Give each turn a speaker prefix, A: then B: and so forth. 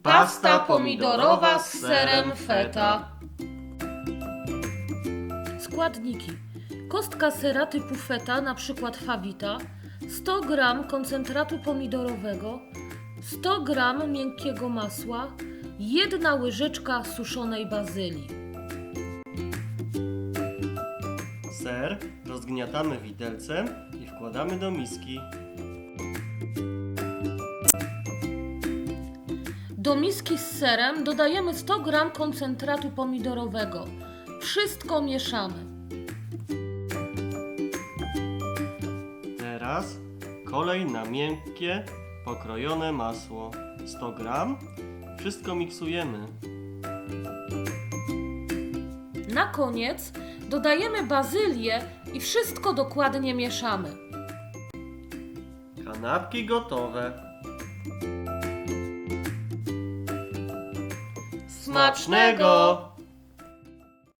A: Pasta pomidorowa z serem feta.
B: Składniki: kostka sera typu feta, np. Fawita, 100 g koncentratu pomidorowego, 100 g miękkiego masła, 1 łyżeczka suszonej bazylii.
A: Ser rozgniatamy widelcem i wkładamy do miski.
B: Do miski z serem dodajemy 100 g koncentratu pomidorowego. Wszystko mieszamy.
A: Teraz kolej na miękkie, pokrojone masło. 100 g. Wszystko miksujemy.
B: Na koniec dodajemy bazylię i wszystko dokładnie mieszamy.
A: Kanapki gotowe.
B: Smacznego!